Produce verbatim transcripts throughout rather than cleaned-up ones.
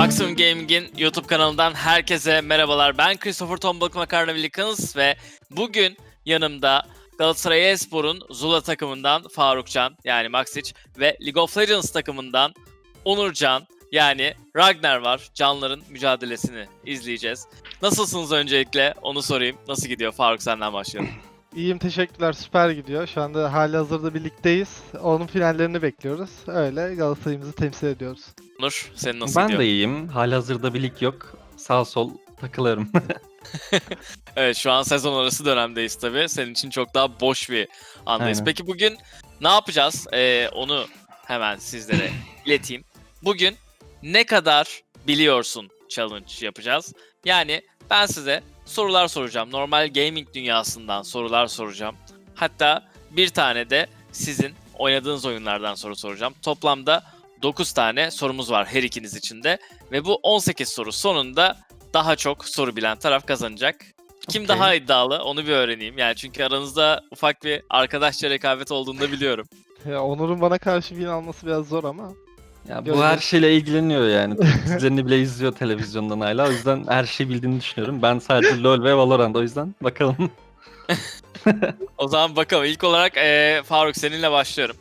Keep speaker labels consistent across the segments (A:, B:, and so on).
A: Maximum Gaming'in YouTube kanalından herkese merhabalar. Ben Christopher Tombalık Makarna Wilkins ve bugün yanımda Galatasaray Espor'un Zula takımından Farukcan yani Maxic ve League of Legends takımından Onurcan yani Ragnar var. Canların mücadelesini izleyeceğiz. Nasılsınız öncelikle onu sorayım. Nasıl gidiyor? Faruk senden başlayalım.
B: İyiyim, teşekkürler. Süper gidiyor. Şu anda halihazırda birlikteyiz. Onun finallerini bekliyoruz. Öyle Galatasaray'ımızı temsil ediyoruz.
A: Onur senin nasıl
C: Ben
A: gidiyor?
C: de iyiyim. Halihazırda bir lig yok. Sağ sol takılıyorum.
A: Evet, şu an sezon arası dönemdeyiz tabii. Senin için çok daha boş bir andayız.
C: Aynen.
A: Peki bugün ne yapacağız? Ee, onu hemen sizlere ileteyim. Bugün ne kadar biliyorsun challenge yapacağız. Yani ben size sorular soracağım. Normal gaming dünyasından sorular soracağım. Hatta bir tane de sizin oynadığınız oyunlardan soru soracağım. Toplamda dokuz tane sorumuz var her ikiniz için de. Ve bu on sekiz soru sonunda daha çok soru bilen taraf kazanacak. Kim
C: Okey.
A: daha iddialı onu bir öğreneyim. Yani çünkü aranızda ufak bir arkadaşça rekabet olduğunu da biliyorum.
B: Ya Onur'un bana karşı win alması biraz zor ama.
C: Ya bu
B: Göreceğiz.
C: her şeyle ilgileniyor yani. Dizilerini bile izliyor televizyondan hala. O yüzden her şeyi bildiğini düşünüyorum. Ben sadece LoL ve Valorant, o yüzden bakalım.
A: O zaman bakalım. İlk olarak eee, Faruk seninle başlıyorum.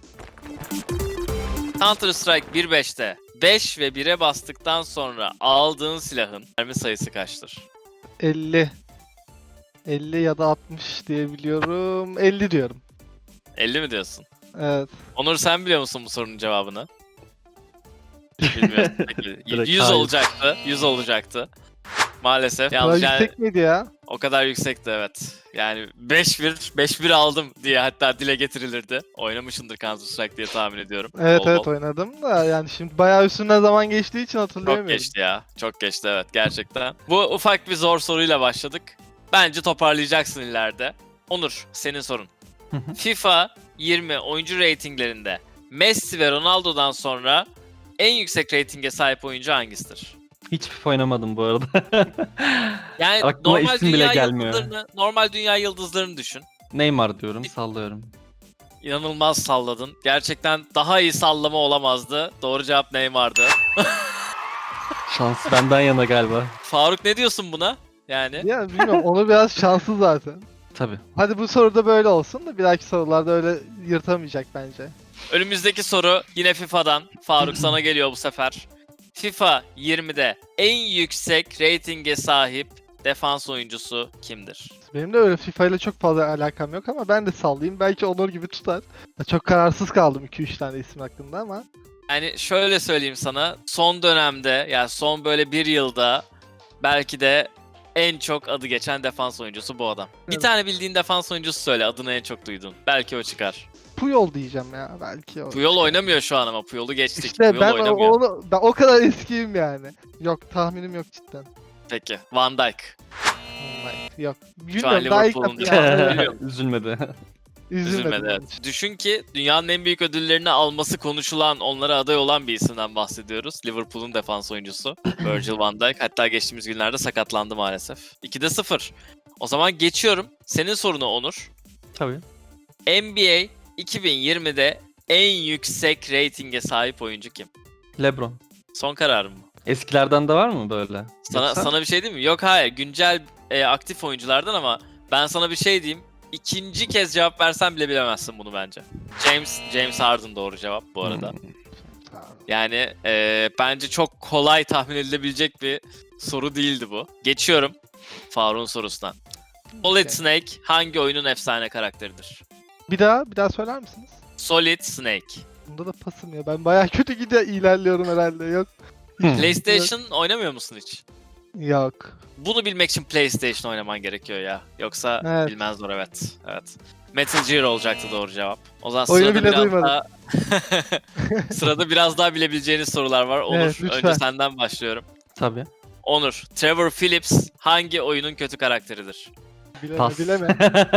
A: Counter Strike bir nokta beşte beş ve bire bastıktan sonra aldığın silahın mermi sayısı kaçtır?
B: elli. elli ya da altmış diye biliyorum. elli diyorum.
A: elli mi diyorsun?
B: Evet.
A: Onur sen biliyor musun bu sorunun cevabını? Bilmiyorum. Peki,
C: Direkt
A: yüz
C: hayır.
A: olacaktı. yüz olacaktı. Maalesef.
B: Daha
A: Yalnız yani
B: yüksek miydi ya?
A: o kadar yüksekti evet. Yani beş bir, beş bir aldım diye hatta dile getirilirdi. Oynamışındır Counter Strike diye tahmin ediyorum.
B: Evet
A: Bol
B: evet
A: bol.
B: oynadım da yani şimdi bayağı üstünden zaman geçtiği için
A: Çok
B: hatırlayamıyorum.
A: geçti ya. Çok geçti evet gerçekten. Bu ufak bir zor soruyla başladık. Bence toparlayacaksın ileride. Onur senin sorun. FIFA yirmi oyuncu reytinglerinde Messi ve Ronaldo'dan sonra en yüksek reytinge sahip oyuncu hangisidir?
C: Hiç FIFA oynamadım bu arada.
A: Yani
C: Aklıma
A: normal
C: isim bile
A: dünya
C: gelmiyor.
A: yıldızlarını, normal dünya yıldızlarını düşün.
C: Neymar diyorum, sallıyorum.
A: İnanılmaz salladın. Gerçekten daha iyi sallama olamazdı. Doğru cevap Neymar'dı.
C: Şans benden yana galiba.
A: Faruk ne diyorsun buna? Yani
B: Ya bilmiyorum, Onur biraz şanslı zaten.
C: Tabii.
B: Hadi bu soruda böyle olsun da bir dahaki sorularda öyle yırtamayacak bence.
A: önümüzdeki soru yine FIFA'dan. Faruk sana geliyor bu sefer. FIFA yirmide en yüksek reytinge sahip defans oyuncusu kimdir?
B: Benim de öyle FIFA ile çok fazla alakam yok ama ben de sallayayım. Belki Onur gibi tutar. Ya çok kararsız kaldım iki üç tane isim hakkında ama.
A: Yani şöyle söyleyeyim sana. Son dönemde yani son böyle bir yılda belki de en çok adı geçen defans oyuncusu bu adam. Bir
B: Evet.
A: tane bildiğin defans oyuncusu söyle adını en çok duydun. Belki o çıkar.
B: Puyol diyeceğim ya belki o.
A: Puyol oynamıyor şu an ama Puyol'u geçtik.
B: İşte
A: Puyol
B: ben o,
A: oynamıyor.
B: onu, ben o kadar eskiyim yani. Yok tahminim yok cidden.
A: Peki Van Dijk.
B: Vallahi yok.
A: an
B: Bilmiyorum daha ilk
A: Liverpool'un
B: defa yani.
A: Biliyorum.
C: Üzülmedi.
B: Üzülmedim.
A: Üzülmedi
B: onun
A: evet.
B: için.
A: Düşün ki dünyanın en büyük ödüllerini alması konuşulan, onlara aday olan bir isimden bahsediyoruz. Liverpool'un defans oyuncusu Virgil van Dijk. Hatta geçtiğimiz günlerde sakatlandı maalesef. ikide sıfır. O zaman geçiyorum. Senin sorunu Onur.
C: Tabii.
A: N B A iki bin yirmide en yüksek reytinge sahip oyuncu kim?
C: LeBron.
A: Son kararım mı?
C: Eskilerden de var mı böyle?
A: Sana
C: Yoksa-
A: sana bir şey diyeyim mi? Yok hayır. Güncel e, aktif oyunculardan ama ben sana bir şey diyeyim. İkinci kez cevap versen bile bilemezsin bunu bence. James James Harden doğru cevap bu arada.
C: Hmm.
A: Yani e, bence çok kolay tahmin edilebilecek bir soru değildi bu. Geçiyorum Faruk'un sorusundan. Solid
B: Okey.
A: Snake hangi oyunun efsane karakteridir?
B: Bir daha bir daha söyler misiniz?
A: Solid Snake.
B: Bunda da pasım ya. Ben bayağı kötü gidiyor ilerliyorum herhalde. Yok.
C: Hmm.
A: PlayStation oynamıyor musun hiç?
B: Yok.
A: Bunu bilmek için PlayStation oynaman gerekiyor ya. Yoksa
B: Evet.
A: bilmezler evet. Evet. Metal Gear olacaktı doğru cevap. O zaman
B: Oyunu
A: sırada
B: bile
A: biraz
B: duymadım.
A: daha sırada biraz daha bilebileceğiniz sorular var. Onur
B: Evet, lütfen.
A: önce senden başlıyorum.
C: Tabii.
A: Onur, Trevor Phillips hangi oyunun kötü karakteridir?
B: Bileme
C: Pas.
B: bileme.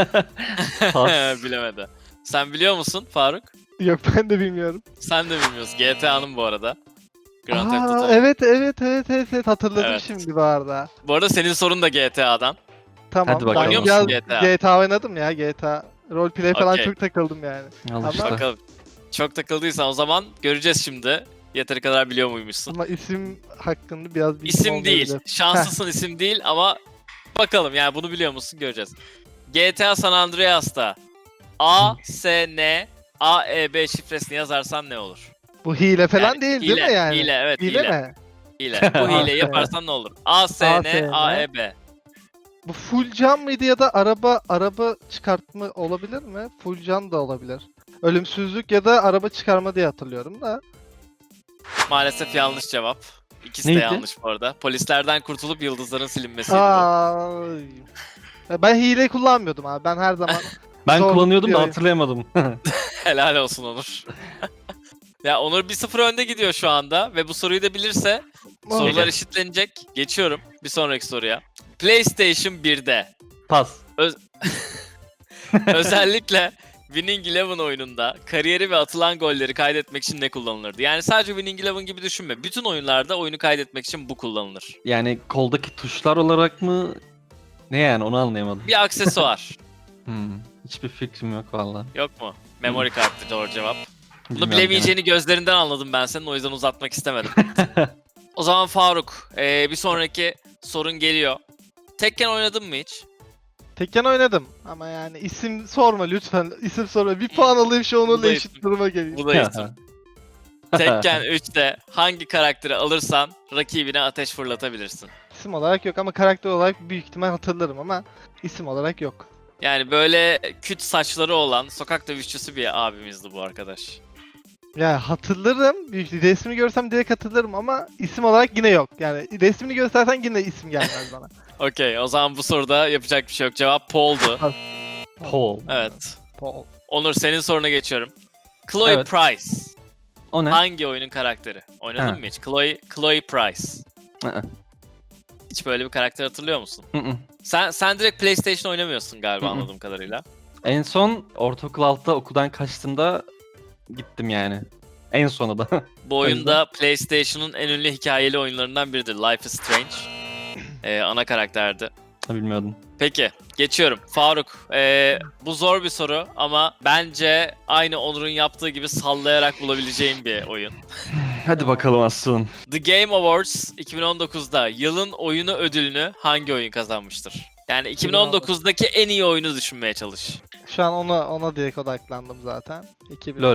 C: Pas.
A: Bilemedi. Sen biliyor musun Faruk?
B: Yok ben de bilmiyorum.
A: Sen de bilmiyorsun. G T A'nın bu arada. Grand Theft
B: Aa,
A: Auto.
B: evet evet evet evet evet hatırladım
A: Evet.
B: şimdi bu arada.
A: Bu arada senin sorun da G T A'dan.
B: Tamam.
C: Hadi bakalım.
B: Ben
A: Oynuyor
B: biraz
A: musun G T A?
B: G T A oynadım ya G T A. Roleplay falan
A: Okey.
B: çok takıldım yani.
C: Al
B: Ama-
C: işte.
A: Bakalım. Çok takıldıysan o zaman göreceğiz şimdi. Yeteri kadar biliyor muymuşsun?
B: Ama isim hakkında biraz bilgim
A: İsim değil.
B: olmayabilir.
A: Şanslısın isim değil ama bakalım yani bunu biliyor musun göreceğiz. G T A San Andreas'ta A, S, N, A, E, B şifresini yazarsan ne olur?
B: Bu hile falan
A: Yani
B: değil
A: hile,
B: değil mi yani?
A: Hile evet hile.
B: Hile mi?
A: Hile. Bu
B: A,
A: hileyi
B: S.
A: yaparsan ne olur? A, S,
B: A,
A: N,
B: S,
A: A,
B: N.
A: E, B.
B: Bu full can mıydı ya da araba araba çıkartma olabilir mi? Full can da olabilir. Ölümsüzlük ya da araba çıkarma diye hatırlıyorum da.
A: Maalesef yanlış cevap. İkisi de
C: Neydi?
A: yanlış bu arada. Polislerden kurtulup yıldızların silinmesiydi bu.
B: Aa, ben hile kullanmıyordum abi. Ben her zaman
C: Ben
B: Zor
C: kullanıyordum da
B: diyor.
C: hatırlayamadım.
A: Helal olsun Onur. Ya Onur bir sıfır önde gidiyor şu anda ve bu soruyu da bilirse sorular eşitlenecek. Geçiyorum bir sonraki soruya. PlayStation birde
C: Pas.
A: özellikle Winning Eleven oyununda kariyeri ve atılan golleri kaydetmek için ne kullanılırdı? Yani sadece Winning Eleven gibi düşünme. Bütün oyunlarda oyunu kaydetmek için bu kullanılır.
C: Yani koldaki tuşlar olarak mı? Ne yani onu anlayamadım.
A: Bir aksesuar.
C: Hmm, hiçbir fikrim yok valla.
A: Yok mu? Memory kartı doğru cevap. Bunu
C: Bilmiyorum
A: bilemeyeceğini gözlerinden anladım ben senin, o yüzden uzatmak istemedim. O zaman Faruk, ee, bir sonraki sorun geliyor. Tekken oynadın mı hiç?
B: Tekken oynadım ama yani isim sorma lütfen. İsim sorma. Bir puan alayım şu onunla
A: Buradayım.
B: eşit duruma geleyim.
A: Bu da isim. Tekken üçte hangi karakteri alırsan rakibine ateş fırlatabilirsin.
B: İsim olarak yok ama karakter olarak büyük ihtimal hatırlarım ama isim olarak yok.
A: Yani böyle küt saçları olan sokak dövüşçüsü bir abimizdi bu arkadaş.
B: Yani hatırlarım. Büyük resmini görsem direkt hatırlarım ama isim olarak yine yok. Yani resmini göstersen yine isim gelmez bana.
A: Okey, o zaman bu soruda yapacak bir şey yok. Cevap Paul'du.
C: Paul.
A: Evet.
B: Paul.
A: Onur, senin soruna geçiyorum. Chloe
C: Evet.
A: Price
C: O ne?
A: hangi oyunun karakteri? Oynadın
C: Ha.
A: mı hiç? Chloe, Chloe Price.
C: Hı-hı.
A: Hiç böyle bir karakter hatırlıyor musun?
C: Hı-hı.
A: Sen sen direkt PlayStation oynamıyorsun galiba
C: Hı hı.
A: anladığım kadarıyla.
C: En son ortaokul altıda okuldan kaçtığımda gittim yani. En sonu da.
A: Bu oyun da PlayStation'ın en ünlü hikayeli oyunlarından biridir. Life is Strange. Ee, ana karakterdi.
C: Bilmiyordum.
A: Peki, geçiyorum. Faruk, ee, bu zor bir soru ama bence aynı Onur'un yaptığı gibi sallayarak bulabileceğin bir oyun.
C: Hadi bakalım Aslı'nın.
A: The Game Awards iki bin on dokuzda yılın oyunu ödülünü hangi oyun kazanmıştır? Yani iki bin on dokuzdaki en iyi oyunu düşünmeye çalış.
B: Şu an ona ona direkt odaklandım zaten. iki bin.
C: LOL.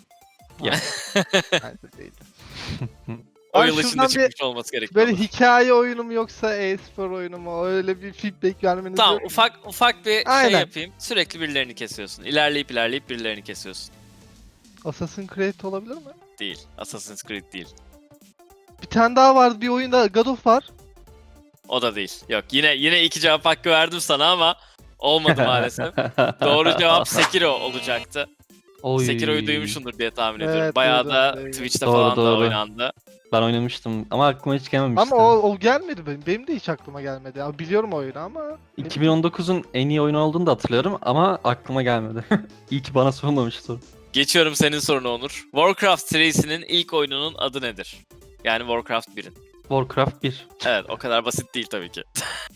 B: Bence değil.
A: O
B: Ay,
A: yıl içinde
B: şuradan bir-
A: çıkmış olması gerekiyor.
B: Böyle hikaye oyunu mu yoksa e-spor oyunu mu? Öyle bir feedback vermeniz
A: Tamam,
B: yok mu?
A: ufak ufak bir şey
B: Aynen.
A: yapayım. Sürekli birilerini kesiyorsun. İlerleyip ilerleyip birilerini kesiyorsun.
B: Assassin's Creed olabilir mi?
A: Değil. Assassin's Creed değil.
B: Bir tane daha vardı bir oyunda God of var.
A: O da değil. Yok. Yine yine iki cevap hakkı verdim sana ama olmadı maalesef. Doğru cevap Sekiro olacaktı.
C: Oy.
A: Sekiro'yu duymuşsundur diye tahmin ediyorum.
B: Evet,
A: Bayağı
B: duydum,
A: da
B: duydum.
A: Twitch'te
C: Doğru,
A: falan da
C: doğru.
A: oynandı.
C: Ben oynamıştım ama aklıma hiç gelmemişti.
B: Ama o, o gelmedi benim. Benim de hiç aklıma gelmedi. Ya, biliyorum oyunu ama.
C: iki bin on dokuzun en iyi oyunu olduğunu da hatırlıyorum ama aklıma gelmedi. İyi ki bana sorulmamış soru.
A: Geçiyorum senin soruna Onur. Warcraft serisinin ilk oyununun adı nedir? Yani Warcraft birin.
C: Warcraft bir.
A: Evet, o kadar basit değil tabii ki.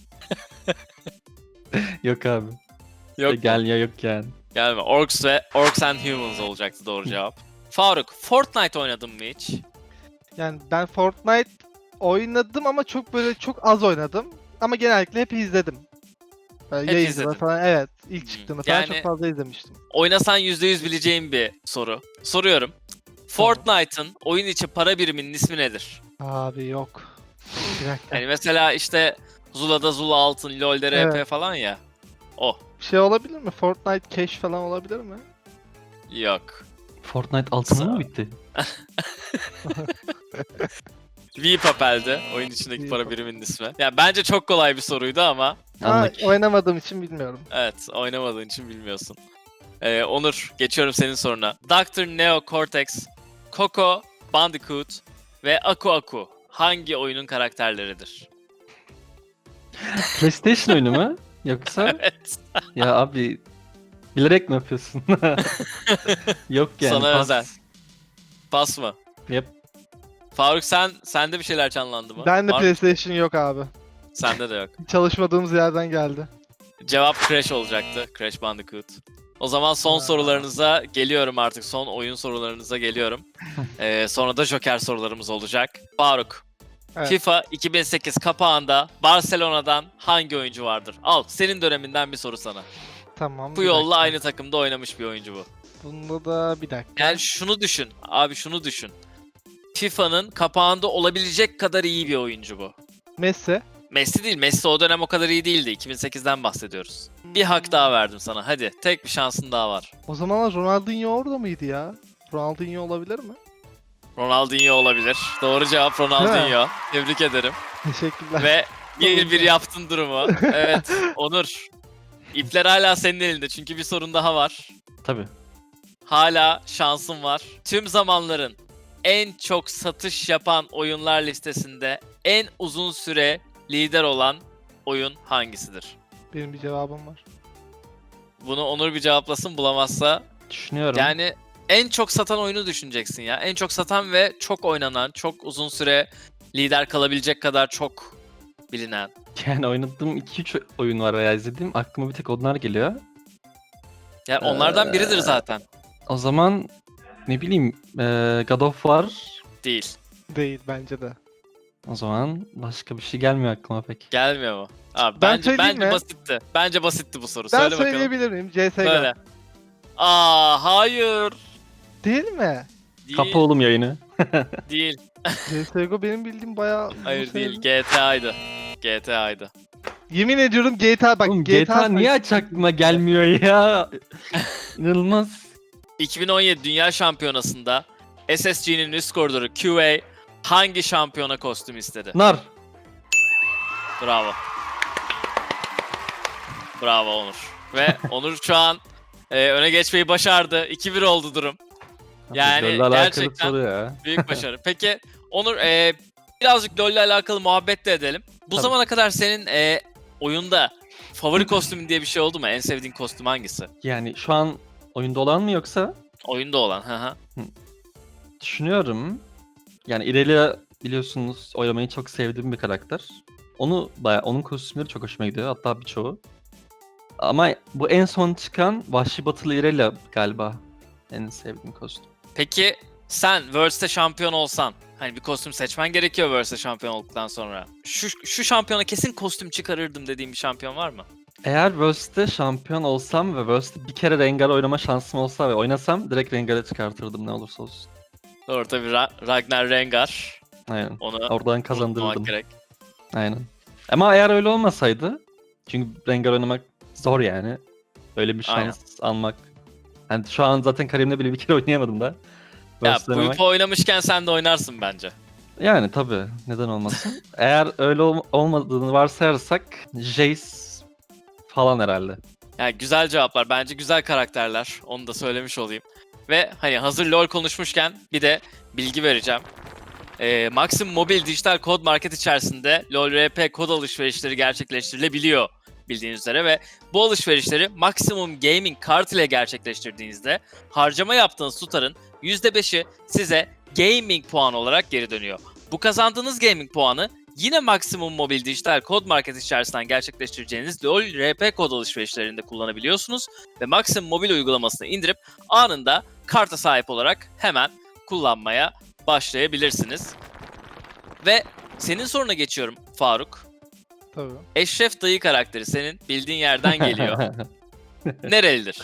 C: Yok abi.
A: Yok
C: Ya gel ya yok yani.
A: Gelme. Orcs ve Orcs and Humans olacaktı doğru cevap. Faruk, Fortnite oynadın mı hiç?
B: Yani ben Fortnite oynadım ama çok böyle çok az oynadım. Ama genellikle hep izledim. Böyle
A: Hep
B: yayıncılar
A: izledin.
B: falan, evet. İlk çıktığında falan
A: Yani-
B: çok fazla izlemiştim.
A: Oynasan yüzde yüz bileceğim bir soru. Soruyorum. Fortnite'ın oyun içi para biriminin ismi nedir?
B: Abi yok. Bir dakika.
A: Yani mesela işte Zula'da Zula altın, LoL'de R P
B: Evet.
A: falan ya. O.
B: Şey olabilir mi? Fortnite Cash falan olabilir mi?
A: Yok.
C: Fortnite altın mı bitti?
A: V Papel'di oyun içindeki
B: V
A: para
B: Papel.
A: biriminin ismi. Yani bence çok kolay bir soruydu ama
B: Ha,
C: Anladık.
B: oynamadığım için bilmiyorum.
A: evet, oynamadığın için bilmiyorsun. Ee, Onur, geçiyorum senin soruna. doktor Neo Cortex, Coco, Bandicoot ve Aku Aku hangi oyunun karakterleridir?
C: PlayStation oyunu mu? Yoksa
A: Evet.
C: ya abi bilerek mi yapıyorsun? Yok yani.
A: Sana
C: pas.
A: özel. Pas mı?
C: Yep.
A: Faruk, sen sende bir şeyler canlandı mı?
B: Ben de
A: Var mı?
B: PlayStation yok abi.
A: Sende de yok.
B: Çalışmadığımız yerden geldi.
A: Cevap Crash olacaktı. Crash Bandicoot. O zaman son
B: Aa.
A: sorularınıza geliyorum artık. Son oyun sorularınıza geliyorum. Ee, sonra da Joker sorularımız olacak. Faruk,
B: Evet.
A: FIFA iki bin sekiz kapağında Barcelona'dan hangi oyuncu vardır? Al, senin döneminden bir soru sana.
B: Tamam. bir
A: Puyol'la
B: dakika.
A: aynı takımda oynamış bir oyuncu bu.
B: Bunda da bir dakika.
A: Yani şunu düşün. Abi şunu düşün. FIFA'nın kapağında olabilecek kadar iyi bir oyuncu bu.
B: Messi.
A: Messi değil. Messi o dönem o kadar iyi değildi. iki bin sekizden bahsediyoruz. Bir hak daha verdim sana. Hadi. Tek bir şansın daha var.
B: O zamanlar Ronaldinho orada mıydı ya? Ronaldinho olabilir mi?
A: Ronaldinho olabilir. Doğru cevap Ronaldinho. Tebrik ederim.
B: Teşekkürler.
A: Ve bir bir yaptın durumu. Evet. Onur. İpler hala senin elinde. Çünkü bir sorun daha var.
C: Tabii.
A: Hala şansın var. Tüm zamanların en çok satış yapan oyunlar listesinde en uzun süre lider olan oyun hangisidir?
B: Benim bir cevabım var.
A: Bunu Onur bir cevaplasın, bulamazsa.
C: Düşünüyorum.
A: Yani en çok satan oyunu düşüneceksin ya. En çok satan ve çok oynanan, çok uzun süre lider kalabilecek kadar çok bilinen.
C: Yani oynadığım iki üç oyun var veya izlediğim. Aklıma bir tek onlar geliyor.
A: Yani onlardan biridir
C: Ee,
A: zaten.
C: O zaman ne bileyim eee, God of War.
A: Değil.
B: Değil bence de.
C: O zaman başka bir şey gelmiyor aklıma pek.
A: Gelmiyor mu? Abi
B: Ben
A: bence
B: söyleyeyim
A: bence
B: mi?
A: basitti. Bence basitti bu soru.
B: Ben
A: Söyle bakalım.
B: söyleyebilir miyim? C S G O.
A: Söyle. Aa hayır.
B: Değil mi?
A: Değil.
C: Kapa oğlum yayını.
A: Değil.
B: C S G O benim bildiğim bayağı... uzun
A: Hayır değil.
B: süredir-
A: G T A'ydı. G T A'ydı.
B: Yemin ediyorum G T A bak
C: Oğlum G T A niye aç aklıma gelmiyor ya? İnanılmaz.
A: iki bin on yedi Dünya Şampiyonası'nda S S G'nin üst koridoru Q A hangi şampiyona kostüm istedi?
C: Nar.
A: Bravo. Bravo Onur. Ve Onur şu an e, öne geçmeyi başardı. iki bir oldu durum. Yani
C: LoL'le alakalı
A: gerçekten-
C: soru ya.
A: Büyük başarı. Peki Onur e, birazcık LoL'le alakalı muhabbet de edelim. Bu
C: Tabii.
A: zamana kadar senin e, oyunda favori kostümün diye bir şey oldu mu? En sevdiğin kostüm hangisi?
C: Yani şu an oyunda olan mı yoksa?
A: Oyunda olan. Hı hı.
C: Düşünüyorum. Yani Irelia biliyorsunuz oynamayı çok sevdiğim bir karakter. Onu baya onun kostümleri çok hoşuma gidiyor. Hatta birçoğu. Ama bu en son çıkan Vahşi Batılı Irelia galiba en sevdiğim kostüm.
A: Peki sen Worlds'te şampiyon olsan, hani bir kostüm seçmen gerekiyor Worlds'te şampiyon olduktan sonra. Şu şu şampiyona kesin kostüm çıkarırdım dediğim bir şampiyon var mı?
C: Eğer Worlds'te şampiyon olsam ve Worlds'te bir kere Rengar oynama şansım olsa ve oynasam direkt Rengar'ı çıkartırdım ne olursa olsun.
A: Doğru tabii Ra- Ragnar Rengar.
C: Aynen.
A: Onu
C: Oradan
A: unutmamak
C: kazandırırdım.
A: gerek.
C: Aynen. Ama eğer öyle olmasaydı, çünkü Rengar oynamak zor yani. Öyle bir şans
A: Aynen.
C: almak. Yani şu an zaten kariyerimde bile bir kere oynayamadım da.
A: Ya
C: Worlds'te
A: bu
C: oynamak-
A: ipi oynamışken sen de oynarsın bence.
C: Yani tabii neden olmasın. Eğer öyle ol- olmadığını varsayarsak Jace falan herhalde.
A: Yani güzel cevaplar. Bence güzel karakterler. Onu da söylemiş olayım. Ve hani hazır LoL konuşmuşken bir de bilgi vereceğim. Ee, Maxim Mobil dijital kod market içerisinde LoL R P kod alışverişleri gerçekleştirilebiliyor bildiğiniz üzere ve bu alışverişleri Maximum Gaming kart ile gerçekleştirdiğinizde harcama yaptığınız tutarın yüzde beşi size gaming puanı olarak geri dönüyor. Bu kazandığınız gaming puanı yine Maximum Mobil dijital kod market içerisinden gerçekleştireceğiniz LoL R P kod alışverişlerinde kullanabiliyorsunuz ve Maximum Mobil uygulamasını indirip anında karta sahip olarak hemen kullanmaya başlayabilirsiniz. Ve senin soruna geçiyorum Faruk.
B: Tabii.
A: Eşref Dayı karakteri senin bildiğin yerden geliyor. Nerelidir?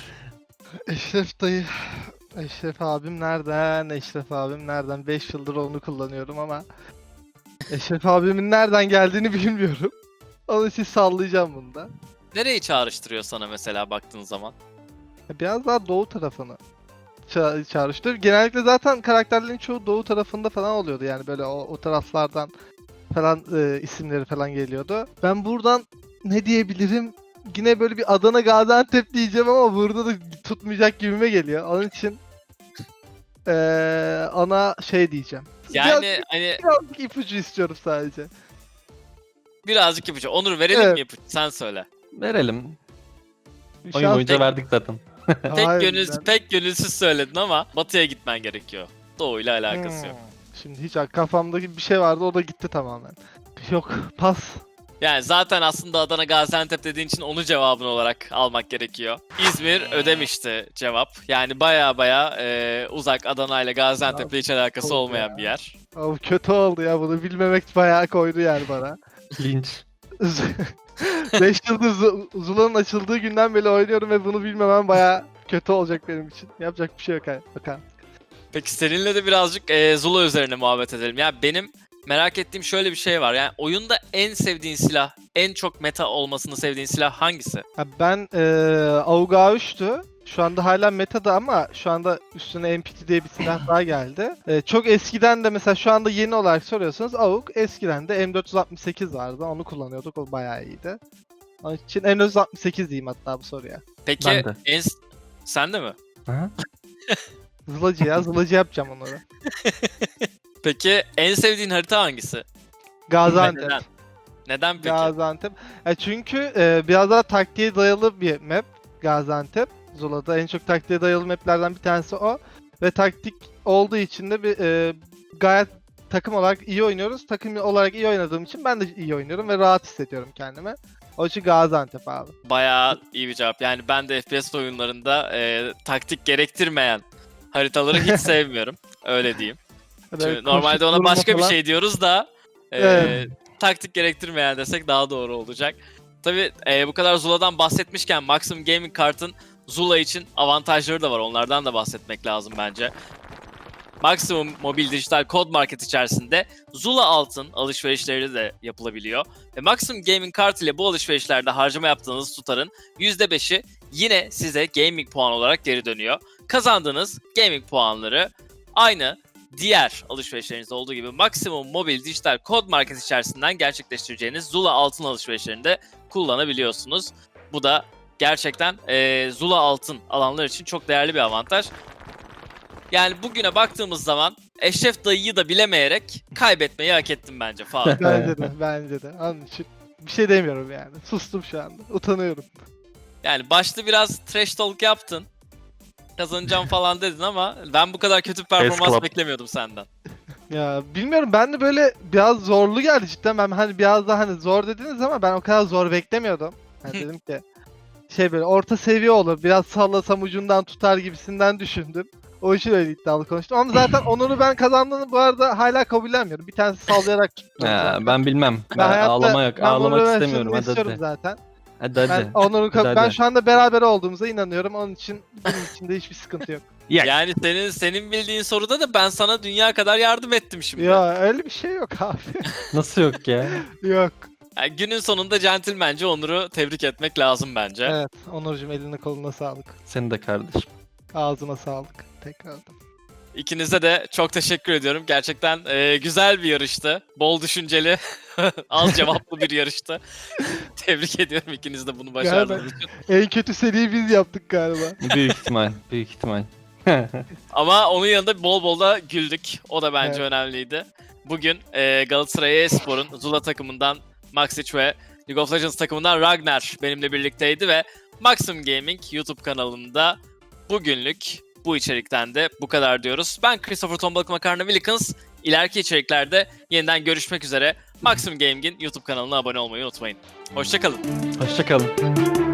B: Eşref dayı. Eşref abim nereden? Eşref abim nereden? beş yıldır onu kullanıyorum ama Eşref abimin nereden geldiğini bilmiyorum. Onun için sallayacağım bunu da.
A: Nereyi çağrıştırıyor sana mesela baktığın zaman?
B: Biraz daha doğu tarafını ça- çağrıştırıyor. Genellikle zaten karakterlerin çoğu doğu tarafında falan oluyordu. Yani böyle o, o taraflardan falan e, isimleri falan geliyordu. Ben buradan ne diyebilirim? Yine böyle bir Adana Gaziantep diyeceğim ama burada da tutmayacak gibime geliyor. Onun için e, ana şey diyeceğim.
A: Yani
B: Biraz,
A: hani
B: birazcık ipucu istiyorum sadece.
A: birazcık ipucu. Onur verelim
B: Evet.
A: mi ipucu? Sen söyle.
C: Verelim.
B: Bir
C: Oyun
B: şans-
C: boyunca
A: tek-
C: verdik zaten.
A: Pek
B: Hayır,
A: gönülsüz,
B: ben-
A: pek gönülsüz söyledin ama batıya gitmen gerekiyor. Doğuyla alakası yok.
B: Hmm. Şimdi hiç kafamdaki bir şey vardı o da gitti tamamen. Yok pas.
A: Yani zaten aslında Adana Gaziantep dediğin için onu cevabın olarak almak gerekiyor. İzmir Ödemiş'ti cevap. Yani baya baya e, uzak, Adana ile Gaziantep'le hiç alakası
B: Oldu
A: olmayan
B: ya.
A: bir yer.
B: Abi kötü oldu ya, bunu bilmemek bayağı koydu yani bana.
C: Linç.
B: beş yıldız Zu- Zula'nın açıldığı günden beri oynuyorum ve bunu bilmemem bayağı kötü olacak benim için. Yapacak bir şey yok abi. Bakalım.
A: Peki seninle de birazcık e, Zula üzerine muhabbet edelim. Ya benim merak ettiğim şöyle bir şey var. Yani oyunda en sevdiğin silah, en çok meta olmasını sevdiğin silah hangisi?
B: Ya ben eee AUG A üç'tü. Şu anda hala metada ama şu anda üstüne M P T diye bir silah daha geldi. Eee, çok eskiden de mesela şu anda yeni olarak soruyorsanız AUG, eskiden de M dört yüz altmış sekiz vardı. Onu kullanıyorduk. O bayağı iyiydi. Onun için M dört yüz altmış sekiz diyeyim hatta bu soruya.
A: Peki
C: Ben de.
A: en sen de mi?
C: Aha.
B: Zılacı ya. Zılacı yapacağım onları.
A: Peki en sevdiğin harita hangisi?
B: Gaziantep.
A: Neden? Neden peki?
B: Gaziantep. Ya çünkü e, biraz daha taktiğe dayalı bir map Gaziantep. Zula'da en çok taktiğe dayalı maplerden bir tanesi o. Ve taktik olduğu için de bir e, gayet takım olarak iyi oynuyoruz. Takım olarak iyi oynadığım için ben de iyi oynuyorum ve rahat hissediyorum kendimi. O için Gaziantep abi.
A: Bayağı iyi bir cevap. Yani ben de F P S oyunlarında e, taktik gerektirmeyen haritaları hiç sevmiyorum. Öyle diyeyim.
B: Böyle
A: Çünkü normalde
B: koşup
A: ona
B: durma
A: başka bir
B: falan.
A: şey diyoruz da e,
B: Evet.
A: taktik gerektirmeyen desek daha doğru olacak. Tabii e, bu kadar Zula'dan bahsetmişken Maximum Gaming Kart'ın Zula için avantajları da var. Onlardan da bahsetmek lazım bence. Maximum Mobil Dijital Kod Market içerisinde Zula altın alışverişleri de yapılabiliyor. Ve Maximum Gaming Kart ile bu alışverişlerde harcama yaptığınız tutarın yüzde beşi yine size gaming puan olarak geri dönüyor. Kazandığınız gaming puanları aynı diğer alışverişlerinizde olduğu gibi Maximum Mobil Dijital Kod Market içerisinden gerçekleştireceğiniz Zula altın alışverişlerinde kullanabiliyorsunuz. Bu da gerçekten eee, Zula altın alanlar için çok değerli bir avantaj. Yani bugüne baktığımız zaman Eşref dayıyı da bilemeyerek kaybetmeyi hak ettim bence Faruk.
B: Bence de, bence de. Onun için bir şey demiyorum yani. Sustum şu anda. Utanıyorum.
A: Yani başta biraz trash talk yaptın. Kazanacağım falan dedin ama ben bu kadar kötü bir performans
C: Club.
A: beklemiyordum senden.
B: Ya bilmiyorum, ben de böyle biraz zorlu geldi cidden. Ben hani biraz daha hani zor dediniz ama ben o kadar zor beklemiyordum. Hani dedim ki şey böyle orta seviye olur, biraz sallasam ucundan tutar gibisinden düşündüm. O için öyle iddialı konuştum ama zaten Onur'u ben kazandığını bu arada hala kabullenmiyorum. Bir tanesi sallayarak tuttum.
C: Ha, ben bilmem. Ben,
B: hayatta-
C: ağlama yok.
B: ben
C: Ağlamak
B: Onur'u
C: istemiyorum. Hadi
B: istiyorum
C: hadi.
B: zaten.
C: Hadi hadi.
B: Ben Onur'u
C: Hadi,
B: kab-
C: hadi.
B: ben şu anda beraber olduğumuza inanıyorum. Onun için benim için de hiçbir sıkıntı yok.
C: Yak.
A: Yani senin senin bildiğin soruda da ben sana dünya kadar yardım ettim şimdi.
B: Ya öyle bir şey yok abi.
C: Nasıl yok ya?
B: Yok.
A: Yani günün sonunda centilmence Onur'u tebrik etmek lazım bence.
B: Evet Onurcuğum, eline koluna sağlık.
C: Senin de kardeşim.
B: Ağzına sağlık. Tekrardan.
A: İkinize de çok teşekkür ediyorum. Gerçekten e, güzel bir yarıştı. Bol düşünceli, az cevaplı bir yarıştı. Tebrik ediyorum ikiniz de bunu başardığınız için.
B: En kötü seriyi biz yaptık galiba.
C: Büyük ihtimal. Büyük ihtimal.
A: Ama onun yanında bol bol da güldük. O da bence
B: Evet.
A: önemliydi. Bugün e, Galatasaray Espor'un Zula takımından Maxic ve League of Legends takımından Ragnar benimle birlikteydi ve Maximum Gaming YouTube kanalında bugünlük bu içerikten de bu kadar diyoruz. Ben Christopher Tombalık Makarna Wilkins. İleriki içeriklerde yeniden görüşmek üzere. Maximum Gaming'in YouTube kanalına abone olmayı unutmayın. Hoşçakalın.
C: Hoşçakalın.